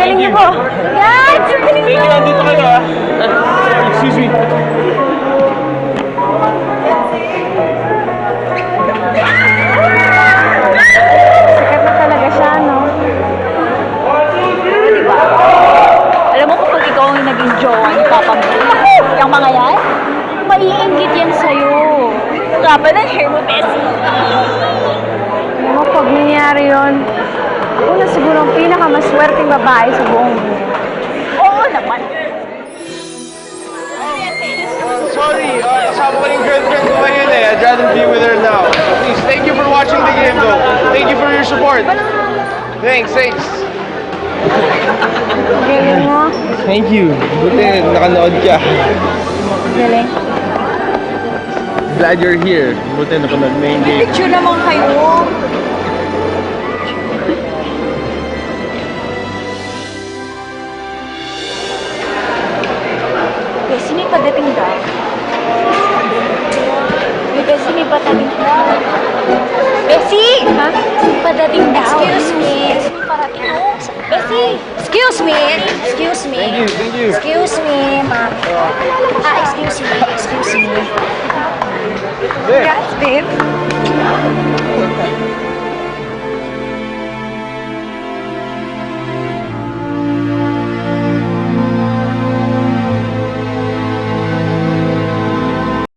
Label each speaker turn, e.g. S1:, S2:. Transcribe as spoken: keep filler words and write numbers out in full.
S1: galing niyo po. Yan! Galing niyo!
S2: Thank you, nandito kayo ah. Uh, excuse me.
S1: Sikat na talaga siya, no? Pero diba? Alam mo kapag ikaw ang naging jowa ni Papa mo, yung mga yan, maiinggit yan sa'yo. Kapa ng hair mo, Bessie. Alam mo, pag nangyari yun, ako na siguro ang pinakamaswerteng babae sa buong mundo. Oo naman.
S2: Sorry, uh, kasama ko yung girlfriend ko ngayon eh. I'd rather be with her now. Please, thank you for watching the game though. Thank you for your support. Thanks, thanks.
S1: Galing mo.
S2: Thank you. Buti nakanood ka.
S1: Galing.
S2: Glad you're here. Buti napanood mo yung
S1: May
S2: game.
S1: picture naman kayo. Bessie, may padating daw. May Bessie, may padating daw. Bessie! Ha? May padating daw. Excuse me. May parating daw. Bessie!
S3: Excuse me. Excuse me.
S2: Thank you, thank you.
S3: Excuse me, ma'am. Ah, excuse me. Excuse me.
S2: There.
S1: Yes, babe.